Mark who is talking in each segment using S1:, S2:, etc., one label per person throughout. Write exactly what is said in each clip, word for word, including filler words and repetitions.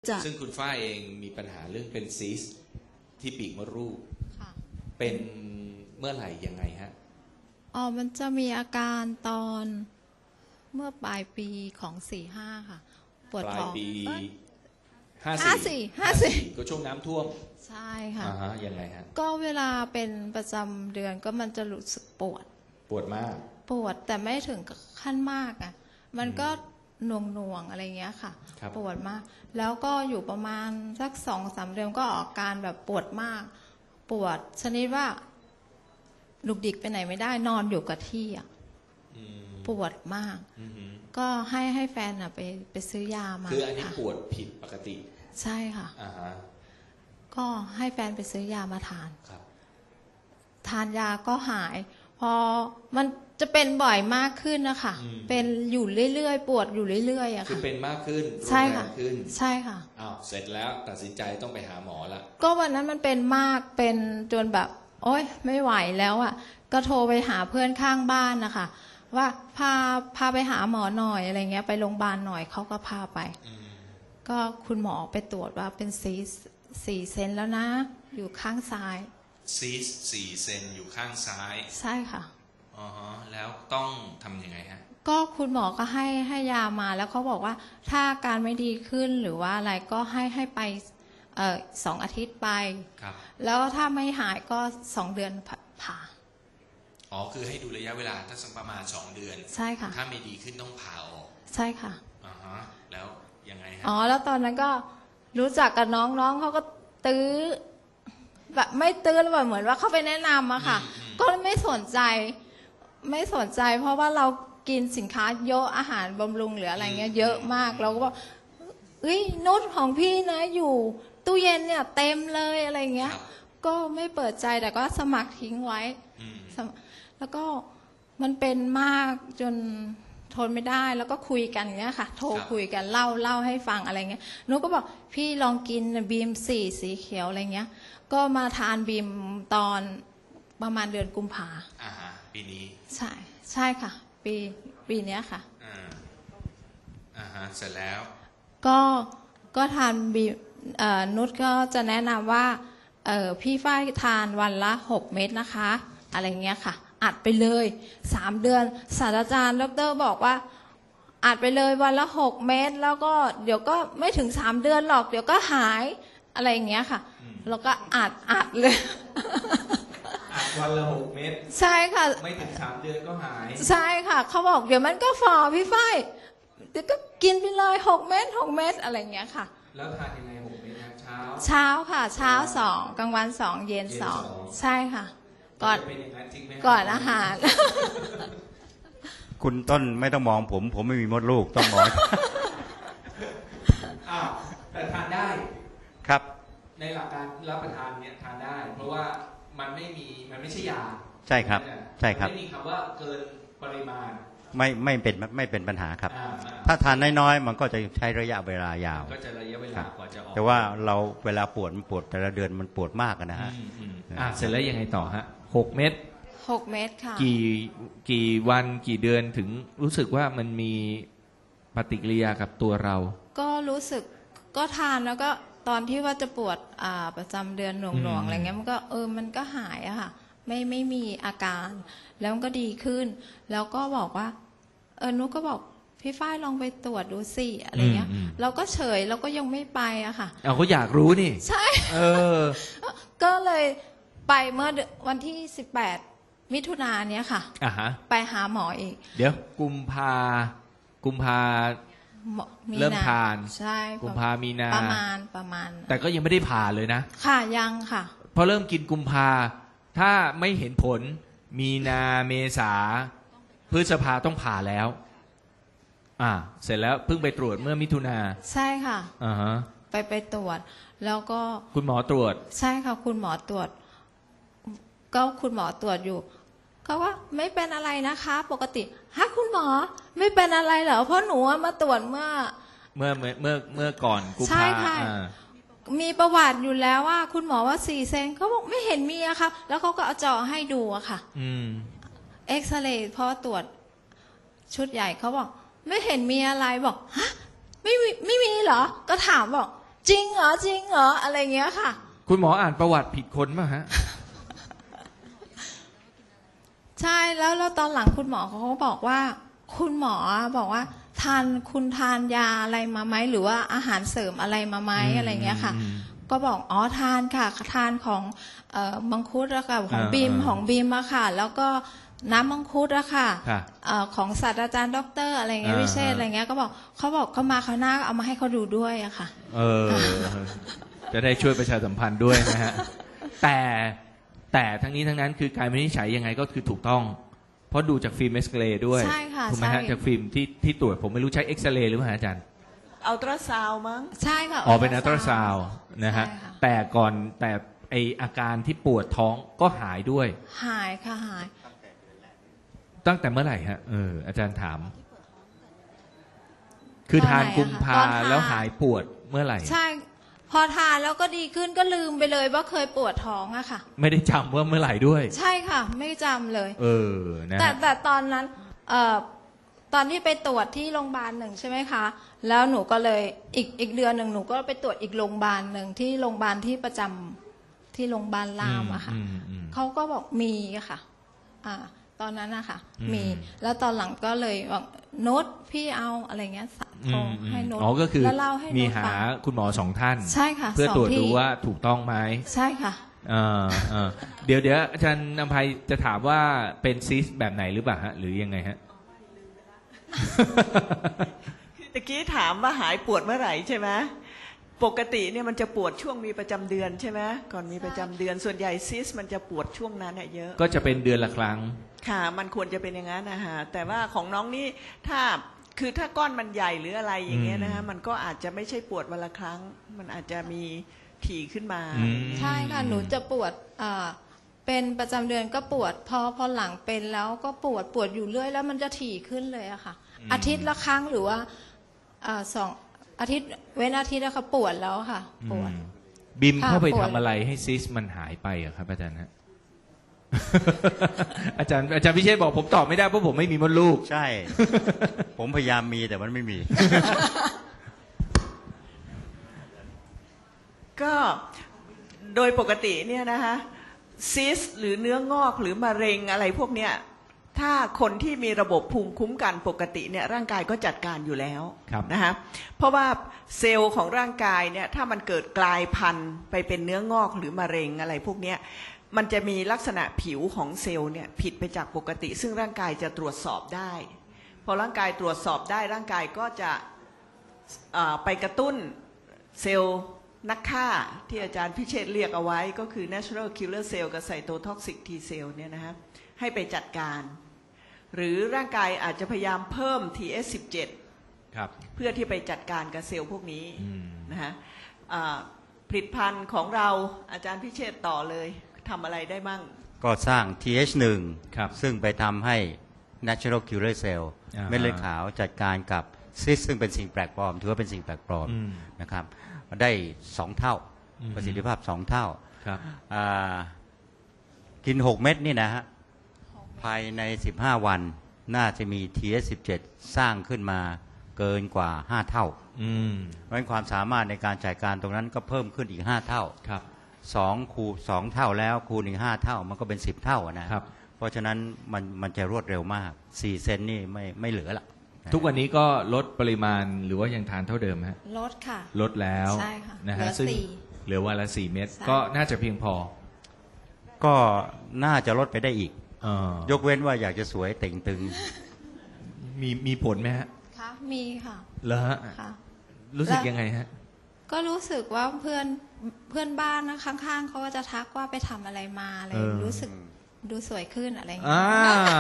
S1: ซึ่งคุณฝ้ายเองมีปัญหาเรื่องเป็นซีสต์ที่ปีกมดลูกเป็นเมื่อไหร่ยังไงฮะ
S2: อ๋อมันจะมีอาการตอนเมื่อปลายปีของสี่ห้าค่ะปวดท้อง
S1: ปลายปีห้าสี่
S2: ห้าสี่
S1: ก็ช่วงน้ำท่วม
S2: ใช่ค่ะ
S1: อ่าฮะยังไงฮะ
S2: ก็เวลาเป็นประจำเดือนก็มันจะรู้สึกปวด
S1: ปวดมาก
S2: ปวดแต่ไม่ถึงขั้นมากอ่ะมันก็หน่วงหน่วงอะไรเงี้ยค่ะปวดมากแล้วก็อยู่ประมาณสักสองสามเดือนก็ออกการแบบปวดมากปวดชนิดว่าลุกดิกไปไหนไม่ได้นอนอยู่กับที่อ่ะปวดมากก็ให้ให้แฟนอ่ะไปไปซื้อยามา
S1: คืออันนี้ปวดผิดปกติ
S2: ใช่ค่ะ
S1: อ่าฮะ
S2: ก็ให้แฟนไปซื้อยามาทาน
S1: ครับ
S2: ทานยาก็หายพอมันจะเป็นบ่อยมากขึ้นนะคะเป็นอยู่เรื่อยๆปวดอยู่เรื่อยๆอะค่ะ
S1: คือเป็นมากขึ้น
S2: ใช่ค่ะ
S1: ขึ้น
S2: ใช่ค่ะ
S1: อ้าวเสร็จแล้วตัดสินใจต้องไปหาหมอละ
S2: ก็วันนั้นมันเป็นมากเป็นจนแบบโอ๊ยไม่ไหวแล้วอะก็โทรไปหาเพื่อนข้างบ้านนะคะว่าพาพาไปหาหมอหน่อยอะไรเงี้ยไปโรงพยาบาลหน่อยเขาก็พาไปก็คุณหมอไปตรวจว่าเป็นซีสสี่เซนแล้วนะอยู่ข้างซ้าย
S1: ซีสสี่เซนอยู่ข้างซ้าย
S2: ใช่ค่ะ
S1: อ๋อแล้วต้องทำยังไงฮะ
S2: ก็คุณหมอก็ให้ให้ยามาแล้วเขาบอกว่าถ้าการไม่ดีขึ้นหรือว่าอะไรก็ให้ให้ไปเอ่อสองอาทิตย์ไป
S1: ครับ
S2: แล้วถ้าไม่หายก็สองเดือนผ่า
S1: อ๋อคือให้ดูระยะเวลาถ้าสักประมาณสองเดือน
S2: ใช่ค่ะ
S1: ถ้าไม่ดีขึ้นต้องผ่าออก
S2: ใช่ค่ะ
S1: อ่าฮะแล้วยังไงฮะ
S2: อ๋อแล้วตอนนั้นก็รู้จักกับน้องน้องเขาก็ตื้อแบบไม่ตื้อแบบเหมือนว่าเขาไปแนะนำอะค่ะก็ไม่สนใจไม่สนใจเพราะว่าเรากินสินค้าเยอะอาหารบำรุงหรืออะไรเงี้ยเยอะมากเราก็บอกเฮ้ยนุชของพี่นะอยู่ตู้เย็นเนี่ยเต็มเลยอะไรเงี้ยก็ไม่เปิดใจแต่ก็สมัครทิ้งไว้แล้วก็มันเป็นมากจนทนไม่ได้แล้วก็คุยกันเงี้ยค่ะโทรคุยกันเล่าเล่าให้ฟังอะไรเงี้ยนุชก็บอกพี่ลองกินบีมสี่สีเขียวอะไรเงี้ยก็มาทานบีมตอนประมาณเดือนกุมภา
S1: อ่าฮะปีนี้
S2: ใช่ใช่ค่ะปีปีนี้ค่ะ
S1: อ่าอ่าฮะเสร็จแล้ว
S2: ก็ก็ทานบีเอ่อนุชก็จะแนะนำว่าเอ่อพี่ฝ้ายทานวันละหกเม็ดนะคะอะไรเงี้ยค่ะอัดไปเลยสามเดือนศาสตราจารย์ดร.บอกว่าอัดไปเลยวันละหกเม็ดแล้วก็เดี๋ยวก็ไม่ถึงสามเดือนหรอกเดี๋ยวก็หายอะไรอย่างเงี้ยค่ะแล้วก็อัดอัดเลย
S1: อัดวันละหกเม็ด
S2: ใช่ค่ะ
S1: ไม่ถึงสามเดือนก็หาย
S2: ใช่ค่ะเขาบอกเดี๋ยวมันก็ฝ่อพี่ฝ้ายเดี๋ยวก็กินไปเลยหกเม็ดหกเม็ดอะไรอย่างเงี้ยค่ะ
S1: แล้วทานยังไงหกเม็ดเช้า
S2: เช้าค่ะเช้าสองกลางวันสองเย็นสองใช่ค่ะก่อนก่อนอาหาร
S3: คุณต้นไม่ต้องมองผมผมไม่มีมดลูกต้องมอง
S1: อ้าวแต่ทานได้
S3: ครับ
S1: ในหลักการรับประทานเนี่ยทานได้เพราะว่ามันไม่มีมันไม่ใช่ยา
S3: ใช่ครับใช่ครับ
S1: ไม่มีคำว่าเกินปริมาณ
S3: ไม่ไม่เป็นไม่เป็นปัญหาครับถ้าทานน้อยๆมันก็จะใช้ระยะเวลายาว
S1: ก็จะระยะเวลากว่าจะออก
S3: แต่ว่าเราเวลาปวดมันปวดแต่ละเดือนมันปวดมากนะฮะ
S1: อ่าเสร็จแล้วยังไงต่อฮะหกเม็ด
S2: หกเม็ดค่ะ
S1: กี่กี่วันกี่เดือนถึงรู้สึกว่ามันมีปฏิกิริยากับตัวเรา
S2: ก็รู้สึกก็ทานแล้วก็ตอนที่ว่าจะปวดอ่าประจำเดือนหน่วงๆอะไรเงี้ยมันก็เออมันก็หายอะค่ะไม่ไม่มีอาการแล้วมันก็ดีขึ้นแล้วก็บอกว่าเออนุก็บอกพี่ฝ้ายลองไปตรวจดูสิอะไรเงี้ยเราก็เฉยเราก็ยังไม่ไปอะค่ะ
S1: เอาเขาอยากรู้นี่
S2: ใช่
S1: เออ
S2: ก็เลยไปเมื่อวันที่สิบแปดมิถุนายนเนี้ยค่ะ
S1: อ่าฮะ
S2: ไปหาหมออีก
S1: เดี๋ยวกุมภากุมภาเริ่มทาน
S2: ใช่
S1: กุมภามีนา
S2: ประมาณประมาณ
S1: แต่ก็ยังไม่ได้ผ่าเลยนะ
S2: ค่ะยังค่ะ
S1: พอเริ่มกินกุมภาถ้าไม่เห็นผลมีนาเมษาพฤษภาต้องผ่าแล้วอ่าเสร็จแล้วเพิ่งไปตรวจเมื่อมิถุนา
S2: ใช่ค่ะ
S1: อ่าฮะ
S2: ไปไปตรวจแล้วก็
S1: คุณหมอตรวจ
S2: ใช่ค่ะคุณหมอตรวจก็คุณหมอตรวจอยู่เขาว่าไม่เป็นอะไรนะคะปกติฮะคุณหมอไม่เป็นอะไรเหรอเพราะหนูมาตรวจเมื่อ
S1: เมื่อเมื่อเมื่อเมื่อก่อนกุมภา
S2: ใช่ค่ะมีประวัติอยู่แล้วว่าคุณหมอว่าสี่เซนเขาบอกไม่เห็นมีอะค่ะแล้วเขาก็เอาจอให้ดูอะค่ะ
S1: อืม
S2: เอ็กซเรย์พอตรวจชุดใหญ่เขาบอกไม่เห็นมีอะไรบอกฮะไม่มีไม่มีเหรอก็ถามบอกจริงเหรอจริงเหรออะไรเงี้ยค่ะ
S1: คุณหมออ่านประวัติผิดคนป่ะฮะ
S2: ใช่แล้วแล้วตอนหลังคุณหมอเขาก็บอกว่า คุณหมอบอกว่า ทานคุณทานยาอะไรมาไหมหรือว่าอาหารเสริมอะไรมาไหม
S1: อืม
S2: อะไรเงี้ยค่ะ
S1: อืม
S2: ก็บอกอ๋อทานค่ะทานของเอ่อมังคุดอะค่ะของ
S1: อ่า
S2: บีม
S1: อ่า
S2: ของบีมอะค่ะ แล้วก็น้ำมังคุดอะค่ะ
S1: ค่ะ
S2: เอ่อของศาสตราจารย์ด็อกเตอร์อะไรเงี้ย
S1: อ่า
S2: วิเชษ
S1: อ่า
S2: อะไรเงี้ยก็บอกเขาบอกเขามาเขาวหน้าเอามาให้เขาดูด้วยอะค่ะ
S1: เออ จะได้ช่วยประชาสัมพันธ์ด้วยนะฮะ แต่แต่ทั้งนี้ทั้งนั้นคือการวินิจฉัยยังไงก็คือถูกต้อง เพราะดูจากฟิล์มเอ็กซเรย์ด้วย
S2: ใช่ค่ะ
S1: ถูกไหมฮะ
S2: ใช่
S1: จากฟิล์มที่ที่ตรวจผมไม่รู้ใช้เอ็กซเรย์หรือเปล่าฮะอาจารย์
S4: อัลตราซาวด์มั้ง
S2: ใช่ค่ะ
S1: อ๋อเป็นอัลตราซาวด์นะฮะ
S2: ใช่ค่
S1: แต่ก่อนแต่ไออาการที่ปวดท้องก็หายด้วย
S2: หายค่ะหาย
S1: ตั้งแต่เมื่อไหร่ฮะเอออาจารย์ถาม คือทานกุมภาแล้วหายปวดเมื่อไหร่
S2: ใช่ พอทานแล้วก็ดีขึ้นก็ลืมไปเลยว่าเคยปวดท้องอะค่ะ
S1: ไม่ได้จำว่าเมื่อไหร่ด้วย
S2: ใช่ค่ะ ไม่จำเลย
S1: เออนะ
S2: แต่
S1: ฮะ
S2: แต่ตอนนั้นเอ่อตอนที่ไปตรวจที่โรงพยาบาลหนึ่งใช่ไหมคะ แล้วหนูก็เลยอีกอีกเดือนหนึ่งหนูก็ไปตรวจอีกโรงพยาบาลหนึ่งที่โรงพยาบาลที่ประจำที่โรงพยาบาลรามอะค่ะ
S1: อืมอืม
S2: เขาก็บอกมีอะค่ะ อ่า ตอนนั้นนะคะ
S1: อืม
S2: มี แล้วตอนหลังก็เลยบอกโน้ตพี่เอาอะไรเงี้ยโทร
S1: อืมอืม
S2: ให้โน้ต
S1: อ๋อก็คือ
S2: แล้วเล่าให้
S1: มี
S2: โน้ต
S1: หา
S2: ฟัง
S1: คุณหมอสองท่าน
S2: ใช่ค่ะ
S1: เพื่อ
S2: สง
S1: ตรวจ
S2: ที่
S1: ดูว่าถูกต้องไหม
S2: ใช่ค่ะ
S1: เออเออเดี๋ยวเดี๋ยวอาจารย์นภัยจะถามว่าเป็นซิสแบบไหนหรือเปล่าฮะ หรือยังไงฮะ
S4: ตะกี้ถามว่าหายปวดเมื่อไหร่ใช่ไหมปกติเนี่ยมันจะปวดช่วงมีประจำเดือนใช่ไหมก่อนมีประจำเดือนส่วนใหญ่ซิสมันจะปวดช่วงนั้นเนี่ยเยอะ
S1: ก็จะเป็นเดือนละครั้ง
S4: ค่ะมันควรจะเป็นอย่างนั้นนะฮะแต่ว่าของน้องนี่ถ้าคือถ้าก้อนมันใหญ่หรืออะไรอย่างเงี้ยนะฮะ
S1: อืม
S4: มันก็อาจจะไม่ใช่ปวดวันละครั้ง มันอาจจะมีถี่ขึ้นมา
S1: อืม
S2: ใช่ค่ะ หนูจะปวดอ่าเป็นประจำเดือนก็ปวด พอพอหลังเป็นแล้วก็ปวดปวดอยู่เรื่อยแล้วมันจะถี่ขึ้นเลยอะค่ะ
S1: อืม
S2: อาทิตย์ละครั้งหรือว่าอ่าสองอาทิตย์เว้นอาทิตย์แล้วค่ะปวดแล้วค่ะ ปวด
S1: อืมบิม
S2: ค่ะ
S1: เข้าไป
S2: ปวด
S1: ทำอะไรให้ซิสมันหายไปอะครับอาจารย์ฮะ อาจารย์อาจารย์พิเชษบอกผมตอบไม่ได้เพราะผมไม่มีมดลูก
S3: ใช่ ผมพยายามมีแต่มันไม่มี
S4: ก็โดยปกติเนี่ยนะคะซิสหรือเนื้องอกหรือมะเร็งอะไรพวกเนี้ยถ้าคนที่มีระบบภูมิคุ้มกันปกติเนี่ยร่างกายก็จัดการอยู่แล้ว
S1: ครับ
S4: นะคะเพราะว่าเซลล์ของร่างกายเนี่ยถ้ามันเกิดกลายพันธุ์ไปเป็นเนื้องอกหรือมะเร็งอะไรพวกเนี้ยมันจะมีลักษณะผิวของเซลล์เนี่ยผิดไปจากปกติ ซึ่งร่างกายจะตรวจสอบได้พอร่างกายตรวจสอบได้ร่างกายก็จะอ่าไปกระตุ้นเซลล์นักฆ่าที่อาจารย์พิเชษฐ์เรียกเอาไว้ก็คือ natural killer cell กับ cytotoxic T cell เนี่ยนะฮะให้ไปจัดการ หรือร่างกายอาจจะพยายามเพิ่ม ที เอส สิบเจ็ด
S1: ครับ
S4: เพื่อที่ไปจัดการกับเซลล์พวกนี้
S1: อืม
S4: นะฮะอ่าผลิตภัณฑ์ของเราอาจารย์พิเชษฐ์ต่อเลยทำอะไรได้มั่ง
S3: ก็สร้าง ที เอช หนึ่ง
S1: ครับ
S3: ซึ่งไปทำให้ natural killer cell
S1: อ่าฮะ
S3: เม็ดเลือดขาวจัดการกับซิสซึ่งเป็นสิ่งแปลกปลอม ถือว่าเป็นสิ่งแปลกปลอม
S1: อืม
S3: นะครับได้สองเท่า
S1: อืม
S3: ประสิทธิภาพสองเท่า
S1: ครับ
S3: อ่ากินหกเม็ดนี่นะฮะภายในสิบห้าวันน่าจะมี ที เอส สิบเจ็ด สร้างขึ้นมาเกินกว่าห้าเท่า
S1: อืม
S3: เพราะฉะนั้นความสามารถในการจัดการตรงนั้นก็เพิ่มขึ้นอีกห้าเท่า
S1: ครับ
S3: สองคูสองเท่าแล้วคูณอีกห้าเท่ามันก็เป็นสิบเท่าอะนะครับ เพราะฉะนั้นมันมันจะรวดเร็วมากสี่เซนนี่ไม่ไม่เหลือละ
S1: ทุกวันนี้ก็ลดปริมาณหรือว่ายังทานเท่าเดิมฮะ
S2: ลดค่ะ
S1: ลดแล้ว
S2: ใช่ค่ะ
S1: นะ
S2: เหลื
S1: ฮะ
S2: อ
S1: ซึ่ง
S2: สี่
S1: เหลือวันละสี่เม็ด
S2: ใช่
S1: ก็น่าจะเพียงพอ
S3: ก็น่าจะลดไปได้อีก
S1: เออย
S3: กเว้นว่าอยากจะสวยเต่งตึง
S1: มีมีผลไหมฮะ
S2: ค่ะมีค่ะ
S1: เหรอฮะ
S2: ค่ะ
S1: รู้สึก
S2: แล้ว
S1: ยังไงฮะ
S2: ก็รู้สึกว่าเพื่อนเพื่อนบ้านนะข้างๆเขาก็จะทักว่าไปทำอะไรมาอะไร
S1: เออ
S2: รู้สึกดูสวยขึ้นอะไรอย่างเงี้
S1: อ่าย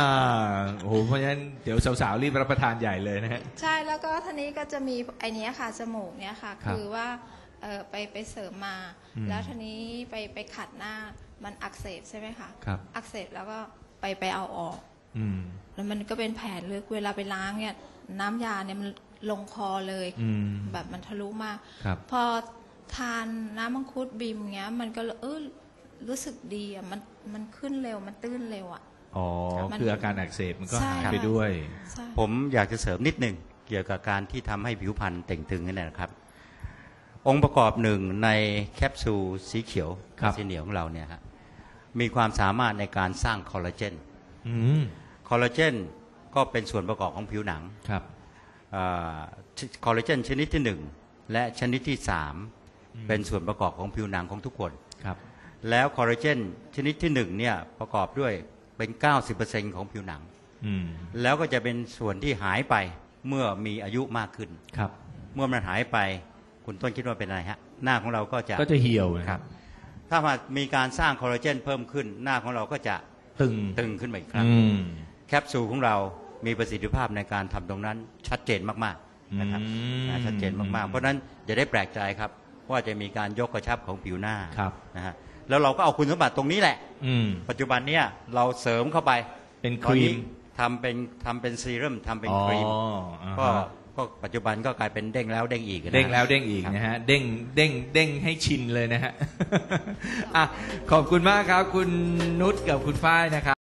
S1: โอ้โหเพราะฉะนั้นเดี๋ยวสาวๆรีบรับประทานใหญ่เลยนะฮะ
S2: ใช่แล้วก็ทีนี้ก็จะมีไอเนี้ยค่ะจมูกเนี้ยค่ะ
S1: ครับ
S2: คือว่าเออไปไปเสริมมา
S1: อืม
S2: แล้วทีนี้ไปไปขัดหน้ามันอักเสบใช่ไหมคะ
S1: ครับ
S2: อักเสบแล้วก็ไปไปเอาออก
S1: อืม
S2: แล้วมันก็เป็นแผลลึกเวลาไปล้างเนี่ยน้ำยาเนี่ยมันลงคอเลย
S1: อืม
S2: แบบมันทะลุมาก
S1: ครับ
S2: พอทานน้ำมังคุดบิมเงี้ย มันก็เออรู้สึกดีอ่ะมันมันขึ้นเร็วมันตื้นเร็วอ่ะ
S1: อ๋อ
S2: มัน
S1: คืออาการอักเสบมันก็
S2: ใช่
S1: หาย
S2: ค่ะ
S1: ไปด้วย
S2: ใช่
S3: ผมอยากจะเสริมนิดหนึ่งเกี่ยวกับการที่ทำให้ผิวพรรณเต่งตึงนั่นนะครับ โอองค์ประกอบหนึ่งในแคปซูลสีเขียว
S1: ครับ
S3: สีเหนียวของเราเนี่ยฮะมีความสามารถในการสร้างคอลลาเจน
S1: อืม
S3: คอลลาเจนก็เป็นส่วนประกอบของผิวหนัง
S1: ครับ
S3: คอลลาเจนชนิดที่หนึ่งและชนิดที่สามเป็นส่วนประกอบของผิวหนังของทุกคน
S1: ครับ
S3: แล้วคอลลาเจนชนิดที่หนึ่งเนี่ยประกอบด้วยเป็น เก้าสิบเปอร์เซ็นต์ ของผิวหนัง
S1: อืม
S3: แล้วก็จะเป็นส่วนที่หายไปเมื่อมีอายุมากขึ้น
S1: ครับ
S3: เมื่อมันหายไปคุณต้นคิดว่าเป็นอะไรฮะหน้าของเราก็จะ
S1: ก็จะเหี่ยวนะ
S3: ค
S1: ค
S3: รั
S1: รั
S3: บบ ถ้ามามีการสร้างคอลลาเจนเพิ่มขึ้นหน้าของเราก็จะ
S1: ตึง
S3: ตึงขึ้นมาอีกครั้ง
S1: อืม
S3: แคปซูลของเรามีประสิทธิภาพในการทำตรงนั้นชัดเจนมากๆนะครับ
S1: อืม
S3: นะชัดเจนมากๆเพราะฉะนั้นอย่าได้แปลกใจครับว่าจะมีการยกกระชับของผิวหน้า
S1: ครับ
S3: นะฮะแล้วเราก็เอาคุณสมบัติตรงนี้แหละ
S1: อืม
S3: ปัจจุบันเนี่ยเราเสริมเข้าไป
S1: เป็นค
S3: ตอน
S1: รี
S3: นี้
S1: ม
S3: ทำเป็นทำเป็นซีรั่มทำเป็น
S1: อ๋อ
S3: ครีม
S1: อ่า
S3: ก็
S1: ฮะ
S3: ก็ปัจจุบันก็กลายเป็นเด้งแล้วเด้งอีกนะ
S1: เด้งแล้วเด้งอีก
S3: ครับ
S1: นะฮะ เด้งเด้งเด้งให้ชินเลยนะฮะ อ่ะขอบคุณมากครับ คุณนุชกับคุณฝ้ายนะครับ